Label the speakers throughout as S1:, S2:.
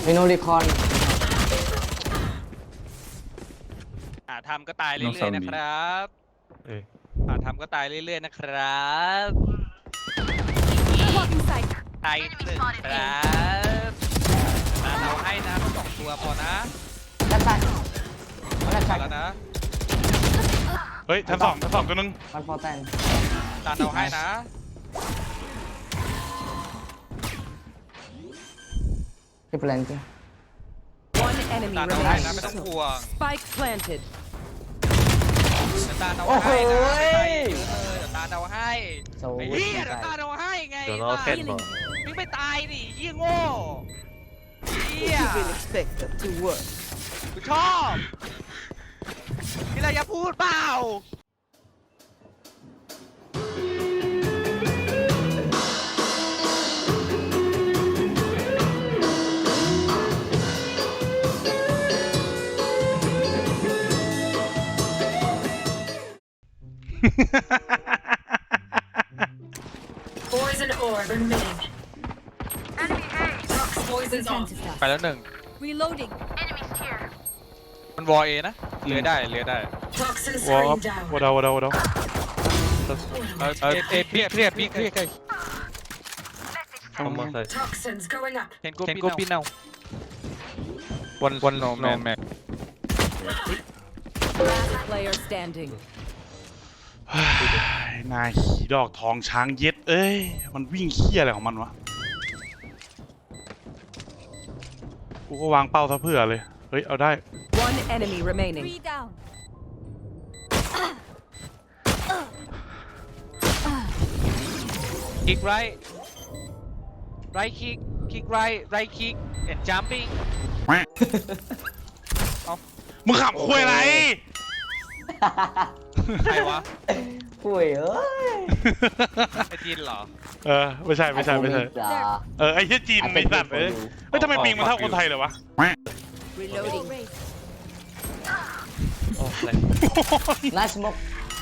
S1: มีโนริคอน
S2: ทำก็ตายเรื่อยๆนะครับทำก็ตายเรื่อยๆนะครับตายหนึ่งครับเราให้นะสองตัวพอนะ
S1: ด้านซ้ายด้าน
S2: พ
S1: ซ้า
S2: อย แล้วนะ
S3: เฮ้ยชั้นสองตัวนึง
S1: มันฟอร์แตน
S2: ตาเราให้นะ
S1: ที่เพลนที่
S4: One enemy
S2: ตาเราให้นะ
S4: remaining.
S2: ไม่ต้องห่วง
S4: Spike planted.
S2: ตาเราให้นะตาเราให้
S1: โซ
S2: ไอ้เหี้ยตาเราให้ไง
S5: เดี๋ยวเราเซ็ตบอก
S2: มึงไม่ตายดิเหี้ยโง่เหี้ย
S4: expect that to work.
S2: กูชอบมีอะไรจะพูดเปล่า
S6: Poison orb emitting. Tox poison's off.
S2: ไปแล้วหนึ่ง
S7: Reloading.
S2: มันวอเอนะเลื้อยได้เลื้อยได้
S6: Toxin
S3: วอล
S6: screen down.
S3: วอดาววอดาววอดาว
S2: เอเคลียร์
S5: เอามาใส่
S6: Toxins going up.
S2: เห็นกูปีนเอาวันโนแมน
S4: Last player standing.
S3: นายขี่ดอกทองช้างเย็ดเอ้ยมันวิ่งเขี้ยอะไรของมันวะกูก็วางเป้าซะเพื่อเลยเฮ้ยเอาได้
S4: One enemy remaining.
S7: 3 down.
S2: คิกไรคิกไรคิก and jumping
S3: มึงขับคุยอะไร
S2: ใครวะ
S1: ป่วยเอ้ย
S2: ไอจีนเหรอ
S3: เออไม่ใช่
S1: จ้า
S3: ไอ้เหี้ยจีนไม่สัตว์เลยเฮ้ยทำไมปิงมันเท่าคนไทยเลยวะ
S4: Reloading.
S5: โอ้ย
S1: ไนส์มก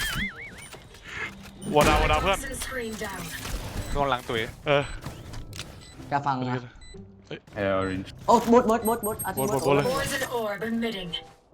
S3: วอดาววอดาวเพื่อน
S6: Toxin screen down.
S2: โดนหลังตุ๋ย
S3: เออก
S1: าฟังนะ
S5: orange
S1: โอ้บดอาทิตย์บด
S3: เลย
S6: Poison orb emitting.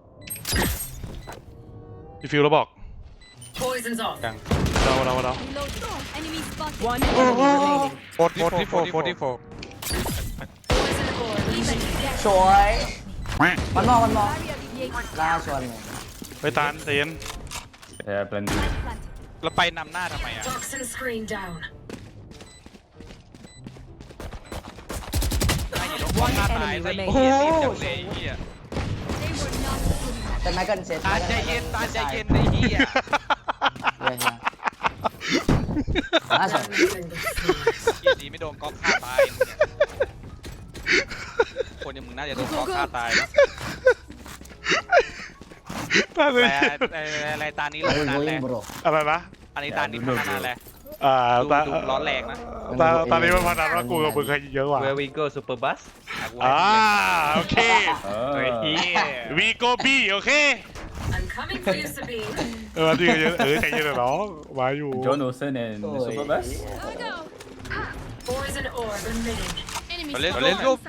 S3: รีฟิลแล้วบอก
S6: Poison's off.
S3: วอดาว
S7: Reloading. Enemy spotted.
S4: One enemy remaining.
S2: 44
S6: Poison orb emitting.
S1: สวยมันมอง
S7: Barrier alleviated.
S1: ล่าชวนเลย
S3: ไปตานเตียน
S5: blending
S7: Planted.
S2: เราไปนำหน้าทำไมอ่ะ
S6: Toxin screen down.
S2: ไอ้เหี้ยโดนฆ่าตายไอ้เหี้ยรีบจังเลยไอ้เหี้ย
S7: They were not good enough.
S1: แต่ไมเคิลเซต
S2: ตาใจเย็นไอ้เหี้ย
S1: เลยฮะล่าสุด
S6: Everything but smooth.
S2: เหี้ยดีไม่โดนก๊อกฆ่าตายมึงเนี่ยคนอย่างมึงน่าจะโดนก๊อกฆ่าตายนะ
S3: ตานเลย
S2: อะไรตานี้เรา
S1: ไอ้
S2: นาน
S1: โวย
S2: แหละ
S1: บร
S3: อะไรนะ
S2: อันนี้ตานี้พัฒนาแหละ
S3: ตา
S2: ดูร้อนแรงนะ
S3: ตอนนี้มันพนันว่ากูกับมึงใครเยอะกว่า
S5: where we go super bus
S3: โอเค
S2: เฮ้ยเหี้ย
S3: วีโกบี้โอเค
S6: I'm coming for you, Sabine.
S3: ที่เยอะใจเย็นหรอน้องมาอยู่
S5: John Olsen and super bus
S7: Go, go.
S6: Poison orb emitting.
S7: Enemy
S2: Let's
S7: spotted.
S2: go.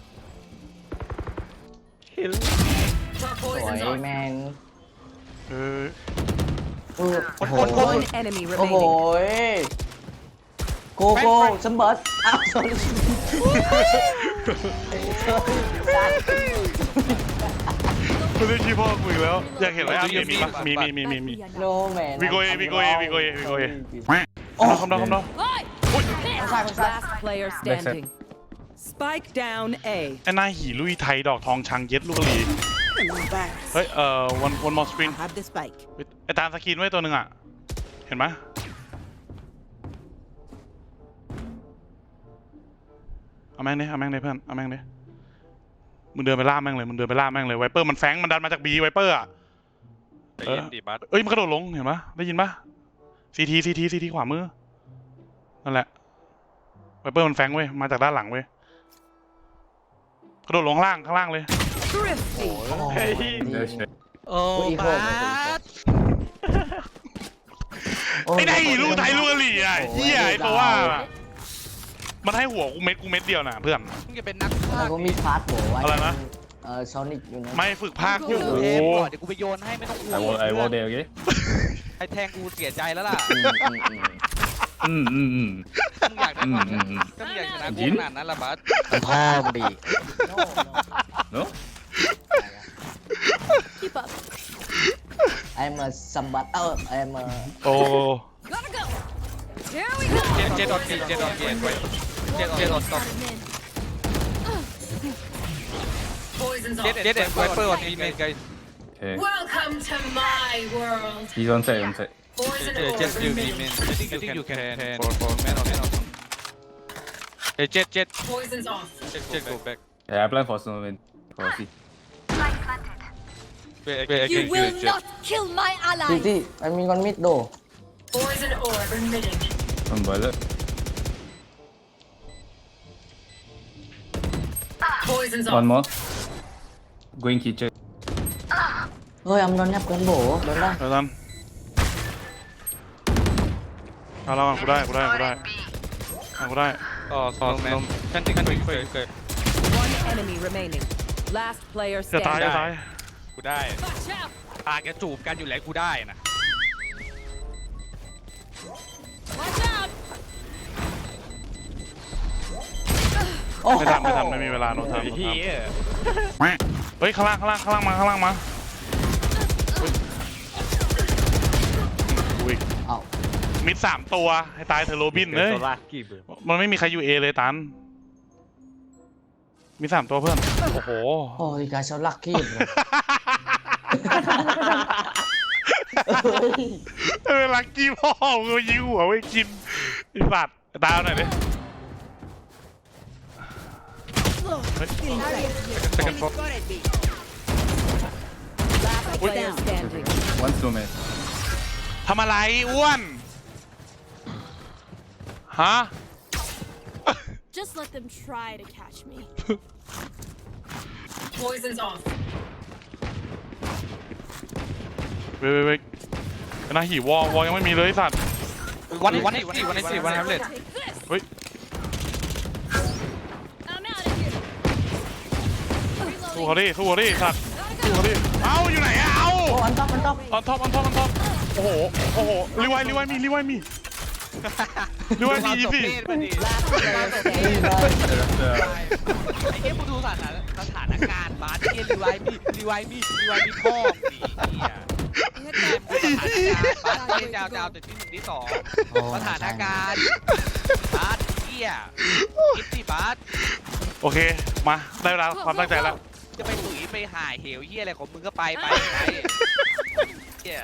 S5: kill
S6: Top
S1: สวย
S6: poison's off.
S1: แมน
S3: เออ
S4: One enemy
S1: โอ้โห
S4: remaining.
S1: โกโก้สมบัติอ้าว sorry
S3: คุณได้ขี้พ่อกูอีกแล้วอยากเห็นอะไรมีปะมี
S1: โนแมน
S3: วีโกเอโอ้คำนอง
S7: Oi!
S1: คนซ้าย
S4: Last player standing. Spike down A.
S3: ไอ้หน้าหีลุยไทยดอกทองช้างเย็ดลูกลีเฮ้ยone more screen
S4: Have the spike.
S3: ไอ้ตาสกินไว้ตัวหนึ่งอ่ะเห็นไหมเอาแม่งเลยเพื่อนเอาแม่งเลยมึงเดินไปล่าแม่งเลยไวเปอร์มันแฝงมันดันมาจากบีไวเปอร์อ่ะ
S2: ใจเย็นดิบัส
S3: เอ้ยมันกระโดดลงเห็นปะได้ยินปะซีทีขวามือนั่นแหละไวเปอร์มันแฝงเว้ยมาจากด้านหลังเว้ยกระโดดลงข้างล่างเลย
S4: Thrifty.
S3: เฮ้ย
S5: no shit
S2: โอ้บัส
S3: ไอ้ได้ลูกไทยลูกกะหรี่อ่ะเฮียไอ้ตัวว่ามันให้หัวกูเม็ดเดียวนะเพื่อน
S2: มึงจะเป็นนักฆ่า
S1: แล้วก็มีพาร์ทโบว่า
S3: อะไรนะ
S1: ซอนิกอยู่นะ
S3: ไม่ฝึกภาคอยู่
S2: โอ้โหเดี๋ยวกูไปโยนให้ไม่ต้องกลัว
S5: I wall there, okay?
S2: ไอ้แทงกูเสียใจแล้วล่ะ มึงอยากได้ความก็มึงอยากชนะกูขนาดนั้นละบัส
S5: พ่อมึงดี No?
S7: Keep up.
S1: I'm a somebody I'm a
S3: โอ้
S7: Gotta go. Here we go.
S2: เจ็ดออนเจ็ดออนเจ็ดออนตบ
S7: Starting in.
S6: Poison's
S2: เจ็ด
S6: off.
S2: เจ็ดไวเปอร์ออนมีเมนไก
S5: Okay.
S6: Welcome to my world.
S5: He's on side, on side.
S6: Boys and
S2: เจ็ด
S6: orb
S2: ยูมีเม
S6: remaining.
S2: น I think you can for man onเจ็ด
S6: Poison's off.
S2: go back
S5: Yeah, I plan for snowman. For C.
S7: You will not kill my
S1: ที่
S7: ally.
S1: ที่มันมีคนมิดโด
S6: Boys and orb emitting.
S5: One bullet.
S6: Poison's
S5: One
S6: off.
S5: more. Going kitchen.
S1: เฮ้ยโดนยับกันโบโดนได้
S3: เดี๋ยวนั้นเอาแล้วกูได้
S2: อ๋อสองแมนฉันติดกันเกิด
S4: One enemy remaining. Last player
S3: จะตาย
S4: standing.
S3: จะตาย
S2: กูได้
S7: Watch out.
S2: ตาแกจูบกันอยู่แล้วกูได้นะ
S7: Watch out.
S1: โอ้
S3: ไม่ทำไม่มีเวลาโน้ตทำเฮ้ยข้างล่างมาอุ้ย
S1: เอ้า
S3: มิด3 ตัวให้ตายเธอะโรบินเลยมันไม่มีใครอยู่เอเลยตันมี3 ตัวเพื่อนโอ้โห
S1: โอ้ยกาชลักกี้
S3: ลักกี้พ่อมึงยิงหัวไว้กินไอ้สัตว์ตายเอาหน่อยดิ
S4: Last player standing.
S5: One snowman.
S3: ทำอะไรอ้วนฮะ
S7: Just let them try to catch me.
S6: Poison's off.
S3: เว้ยนะหีวอยังไม่มีเลยไอ้สัตว์
S2: วันนี้วันแฮมเล็ต
S7: Take this.
S3: เฮ้ย
S7: I'm out of here.
S3: สู้เขาดิสัตว์
S7: Gotta
S3: สู้เขา
S7: go.
S3: ดิเอ้าอยู่ไหนอะเอ้า
S1: โอ้อันท็อป
S3: ออนท็อปโอ้โหรีไวมีอีซี่
S4: Last player standing.
S2: ไอ้เหี้ยกูดูสถานการณ์บาสเหี้ยรีไวมีพ่อสีเหี้ยบาสเหี้ยดาวแต่ที่1ที่2สถานการณ์บาสเหี้ยคิดสิบาส
S3: โอเคมาได้เวลาความตั้งใจแล้ว
S2: จะไปตุ๋ยไปหายเหวเหี้ยอะไรของมึงก็ไปเหี้ย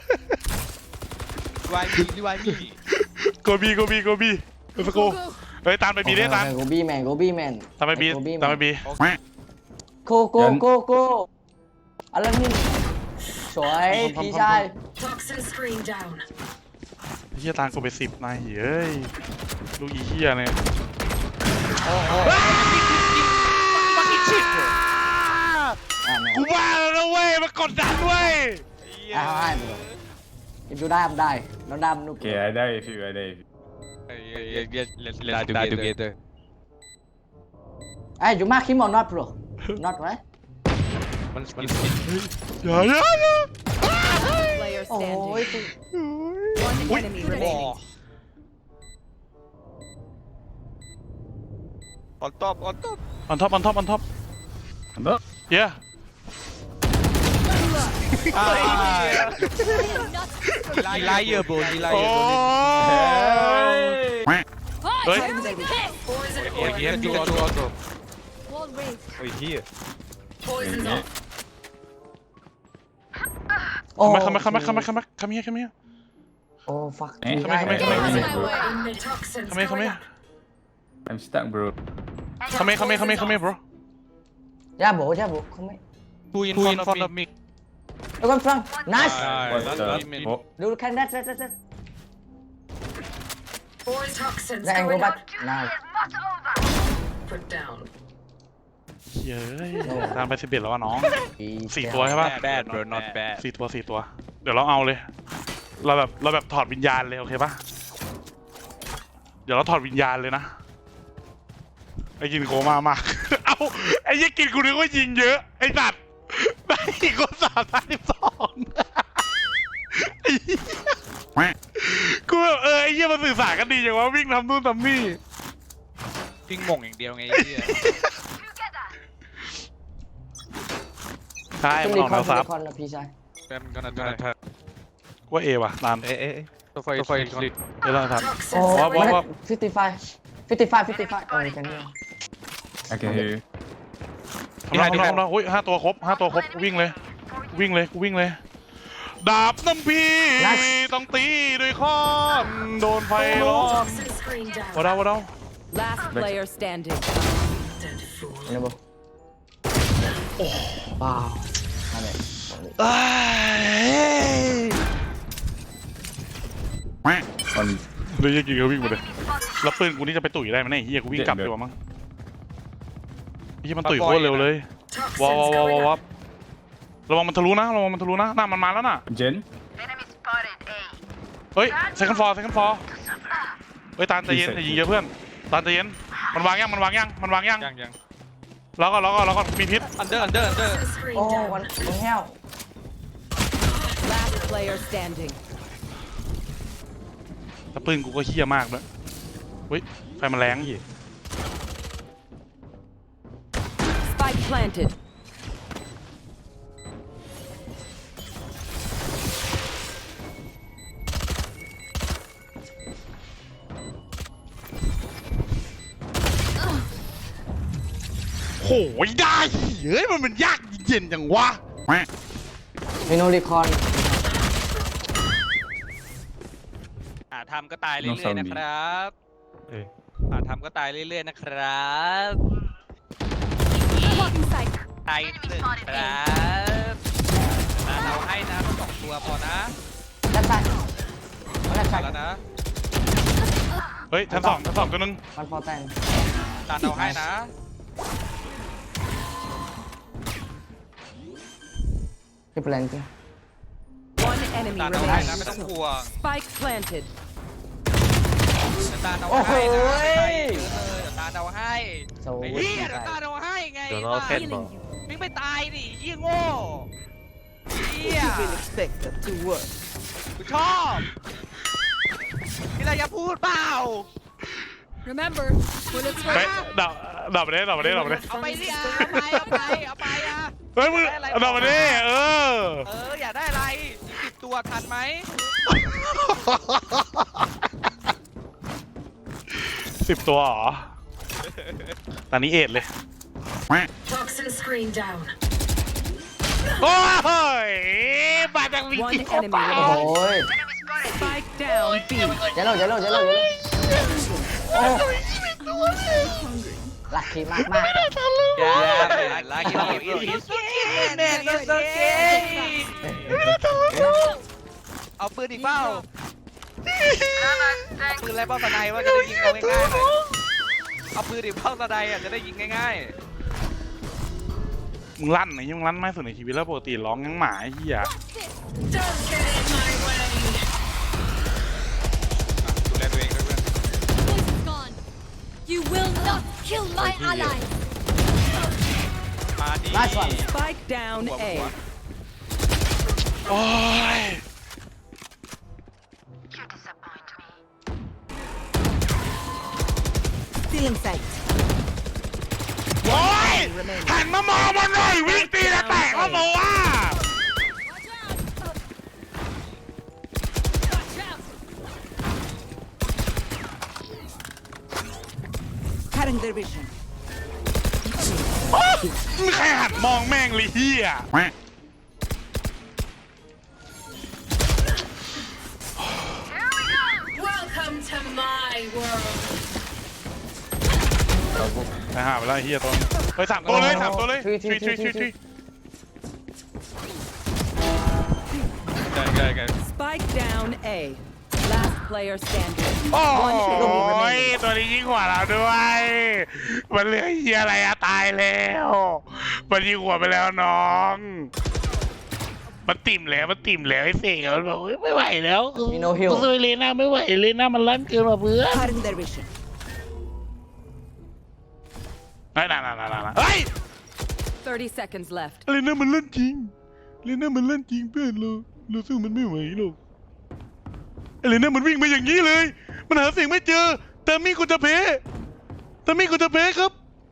S2: รีไวมี
S3: โกบีสกูเฮ้ยตามไปบีได้ตาม
S1: โกบี้แมน
S3: ตามไปบี
S1: โกอะไรนี่สวยพี่ชาย
S6: Toxin screen down.
S3: เฮียตามกูไป10นายเฮ้ยลูกอีเฮียเนี่ย
S2: มันมีชิป
S3: กูว่าแล้วนะเว้ยมากดดันเว้ย
S1: ดูได้ทำได้แล้วดำนุก
S5: Okay, I die if you.
S2: Let's die together
S1: ไอ้ยูมาคิมอ not bro not right
S2: มัน
S3: อย่า
S4: Player
S1: โอ้ย
S4: standing. One enemy remaining.
S2: ออนท็อป
S3: on top
S5: No.
S3: yeah
S2: He liar bro he
S3: โอ้
S2: liar
S7: Fight.
S3: Oi.
S6: Boys and
S2: โอ้ย
S6: orb
S2: เหี้ยดู
S6: emitting.
S7: Wall raised.
S6: Poison's
S5: Yeah.
S6: off.
S1: โอ้
S3: come here
S1: โอ้ fuck
S5: Eh?
S3: Come here.
S6: Emit toxins.
S3: come
S6: going
S3: here
S6: up.
S5: I'm stuck, bro.
S3: come here bro
S1: ย่าโบเขาไม่
S2: Two in front of me
S1: แล้วก็ฟัง nice
S5: What the? Oh.
S1: ดูแค่นั้น
S6: Boys toxins
S1: แล้วแองโก
S6: going
S1: บัต
S6: up.
S1: nice
S6: Put down.
S3: เย้ยตามไป11แล้ววะน้อง4 ตัวใช่ปะ
S2: bad bro not bad
S3: 4 ตัว เดี๋ยวเราเอาเลย เราแบบถอดวิญญาณเลยโอเคปะเดี๋ยวเราถอดวิญญาณเลยนะไอ้กินโคม่ามาก เอ้าไอ้ยี่กินกูนึกว่ายิงเยอะไอ้สัตว์ไอ้คน332ไอ้เหี้ยกูแบบไอ้เหี้ยมันสื่อสารกันดีอย่างว่าวิ่งทำนู่นทำนี่
S2: วิ่งหม่งอย่างเดียวไงไอ้เหี้ย
S3: ใช่
S1: ต้อง
S3: มัน
S1: รี
S3: ออก
S1: คอ
S3: แน
S1: น
S3: วซับ
S1: คอนนะพี่ชาย
S2: แฟนกันนะ
S3: กูว่าเอว่ะตาม
S2: ตัวไฟคลิก
S3: เดี๋ยวเราครับ
S1: โอ้
S3: ว่า
S1: ไม่
S3: ว่า
S1: 55 โอ้ยกันเนี่ย
S5: I can hear you.
S3: ทำน้องอุ้ย5 ตัวครบวิ่งเลยดาบน้ำพีต้องตีด้วยค้อนโดนไฟร้อน
S6: Toxin screen down.
S3: วะเดา
S4: Last player standing.
S6: Dead fool.
S1: เนี่ยบ่โอ้ว้าวนั่นแหละ
S5: One.
S3: เดี๋ยวยิงเขาวิ่งมาเลยแล้วปืนกูนี่จะไปตุ๋ยได้ไหมเนี่ยเฮียกูวิ่งกลับดีกว่ามั้งเฮียมันตุ๋ยโคตรเร็วเลยว้าว
S6: Toxins going up.
S3: ระวังมันทะลุนะน่ามันมาแล้วน่ะ
S5: Jen.
S3: เฮ้ยเซคันด์ฟอร์เฮ้ยตาลใจเย็นอย่ายิงเยอะเพื่อนตาลใจเย็นมันวางยัง
S2: ยัง
S3: แล้วก็มีพิษ
S2: อันเดอร์
S6: Toxin screen
S1: โอ้
S6: down.
S1: วันแห้ว
S4: Last player standing.
S3: แต่ปืนกูก็เฮี้ยมากด้วยเฮ้ยไฟมันแรง
S4: Spike planted.
S3: โหยได้เฮ้ยมันยากเย็นจังวะ
S1: มีโนรีคอน
S2: ทำก็ตายเรื่อยๆนะครับทำก็ตายเรื่อยๆนะครับ
S7: Blocking sight.
S2: ตายหนึ่งครับเราให้นะ2 ตัวพอนะ
S1: ด้านซ้ายด้านซ้าย
S2: แล้วนะ
S3: เฮ้ยชั้นสองตัวนึง
S1: มันพอแต่ง
S2: ตาเราให้นะ
S1: ที่แปลนจริง
S4: One enemy
S2: ตาเราให้นะ
S4: remaining.
S2: ไม่ต้องห่วง
S4: Spike planted.
S2: ตาเรา
S1: โอ้โห
S2: ให้นะตาเราให้
S1: โซ
S2: ไอ้เหี้ยตาเราให้ไงวิ่งไปตายดิยี่โง่เหี้ย
S4: expect that to work.
S2: กูชอบมีอะไรจะพูดเปล่า
S7: Remember, bullets
S3: เฮ้ย
S7: were
S3: ดับไปเลย
S2: เอาไปดิเอาไปอ่ะ
S3: เฮ้ยมึงดับไปเลย
S2: อยากได้อะไร10 ตัวทันไหม
S3: 10 ตัวเหรอตอนนี้เอ็ดเลย
S6: Toxin screen down.
S3: โอ้ยมาจากวิ
S4: One
S3: กิ
S4: enemy
S1: โอ้โห
S4: remaining. Spike down B.
S1: เจโร่โอ้ลัคกี้มาก
S2: ลากินอีสแมนก็โอเคเอาปืนอีกเปล่าปืนอะไรเป้าสไนว่าจะได้ยิงเขาง่ายๆเลยเอาปืนอีกเป้าสไนอ่ะจะได้ยิงง่าย
S3: มึงลั่นไหนมึงลั่นไม่สุดในชีวิตแล้วปกติร้องยังหมาไอ้เหี้ย
S6: Don't get in my way.
S2: ดูแลตัวเองด้วยเพื่อน
S7: Voice is gone. You will not kill my allies.
S2: มาดิ
S1: Nice one.
S4: Spike down A.
S3: โอ้ย
S4: Stealing sight.
S3: โอ้ยหันมามองมันหน่อยวิ่งตีแล้วแตกแล้วบอกว่า
S7: Watch out.
S4: Cutting their vision.
S3: มึงใครหันมองแม่งเลยเหี้ย
S6: Welcome to my world.
S3: ไปหาไปแล้วไอ้เหี้ยตัวเฮ้ย3 ตัวเลยทรี
S4: Spike down A. Last player standing.
S3: โอ้
S4: One enemy
S3: ย
S4: remaining.
S3: ตัวนี้ยิ่งกว่าเราด้วยมันเหลือเหี้ยอะไรอะตายแล้วมันยิ่งกว่าไปแล้วน้องมันติ่มแล้วไอ้เสกมันบอกไม่ไหวแล้ว
S1: มีโนฮิล
S3: กูซื้อเลน่าไม่ไหวเลน่ามันลั่นเกินมาเพื่อน
S4: Cutting their vision.
S3: น่าเฮ้ย
S4: 30 seconds left.
S3: อะไรนะมันเล่นจริงเลยนะมันเล่นจริงเพื่อนเราสู้มันไม่ไหวหรอกอะไรนะมันวิ่งมาอย่างนี้เลยมันหาเสียงไม่เจอแต่มี่กูจะเพครับ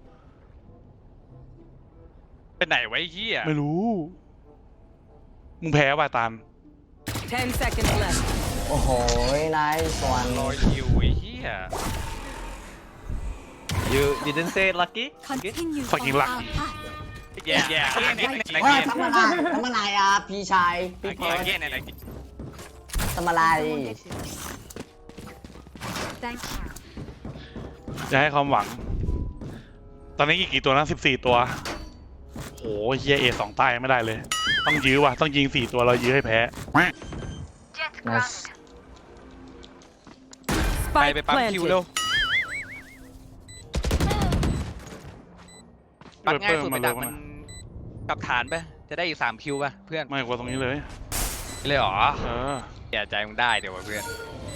S2: ไปไหนไว้เฮีย
S3: ไม่รู้มึงแพ้ว่ะตาล
S4: 10 seconds left.
S1: โอ้โหนายสวน
S2: รอคิวไอ้เฮีย
S8: You didn't say lucky?
S7: Continue
S3: Fucking
S7: on
S3: lucky.
S7: our path.
S2: แย่ใน
S1: ว่า
S2: เกม
S1: ทำอะไรอ่ะพี่ชายพี่เพิร์ด
S2: แย่ในเกม
S1: ทำอะไร
S7: Thank you.
S3: จะให้ความหวัง ตอนนี้กี่ตัวนะ14 ตัวโอ้เฮียA2 ใต้ไม่ได้เลย ต้องยื้อว่ะต้องยิง4 ตัวเรายื้อให้แพ้
S1: nice
S2: ไป
S4: Spike
S2: ปั๊มคิวเร็ว
S4: planted.
S2: ปักง่ายสุดไป
S3: มา
S2: ดั
S3: เร็
S2: ก
S3: ว
S2: มัน
S3: นะ
S2: กลับฐานไปจะได้อีก3คิวป่ะเพื่อน
S3: ไม่กว่าตรงนี้เลย
S2: เลยเหรอ
S3: เออ
S2: แย่ใจมึงได้เดี๋ยวว่ะเพื่อน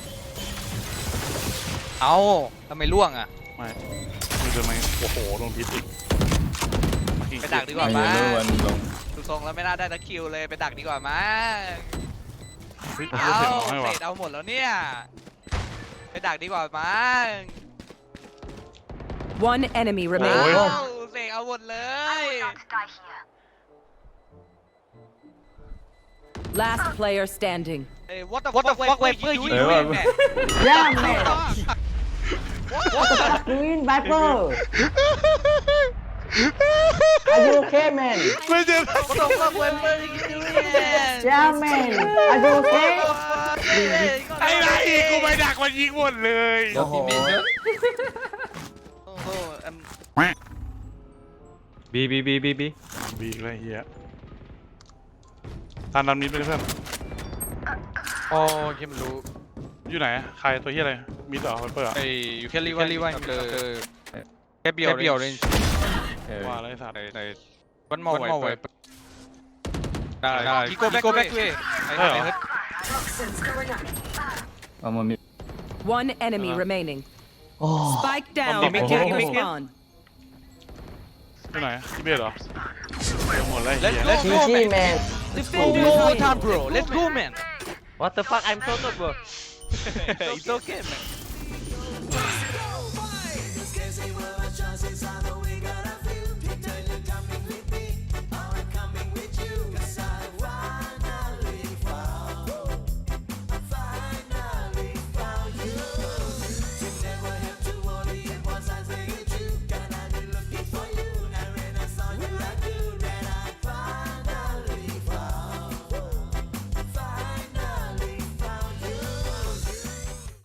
S2: เอาทำไมล่วงอ่ะ
S3: ไม่เดินมาโอ้โหโดนพิษอีก
S2: ไปดักดีกว่า
S5: My
S2: มั้ง
S5: yellow and long.
S2: ดูทรงแล้วไม่น่าได้ตะคิวเลยไปดักดีกว่ามั้ง
S3: เฮ้ย
S2: เอา
S3: เสียงร้องให้
S2: เศ
S3: ว่ะ
S2: ษเอาหมดแล้วเนี่ยไปดักดีกว่ามั้ง
S4: One enemy
S2: เอา
S4: remaining.
S2: เศษเอาหมดเลย
S4: Last player standing.
S2: เอ้ย what the fuck Viper you
S5: Ê,
S2: doing
S5: mà-
S2: man
S1: yeah man
S2: What
S1: what the fuck doing Viper are you okay man
S3: ไม่เจอ
S2: What the fuck Viper you doing man
S1: yeah man are you okay
S3: ไอ้ไรกูไปดักมันยิงหมดเลย
S1: โอ้โห
S2: โอ้โห
S8: B, B, B, B, B.
S3: บีกเลยเฮียตามดำนี้ไปเลยเพื่อน
S2: โอ้ยมันรู้
S3: อยู่ไหนใครตัวเฮียอะไรมีต่อไวเปอร์
S2: ไอ้อยู่แค่รีไว้แค่เบียวเลย
S5: Okay.
S3: ว่าอะไรสัตว์
S2: วันมอไว้ได้พี่โก้แบ็คด้วย
S3: ใช่เหรอ
S6: Toxins going up.
S5: I'm on mid.
S4: One enemy remaining.
S1: โอ้
S4: Spike down.
S3: Mid,
S4: Attack
S5: mid, mid.
S4: spawn.
S3: ที่ไหนที่เบียดเหรอเดี๋ยวหมดแล้วเฮีย
S2: Let's
S1: ชี
S2: go
S1: ชี
S2: man
S1: แมน
S2: One more time bro let's go man
S8: What the fuck? I'm so good, bro.
S2: It's okay man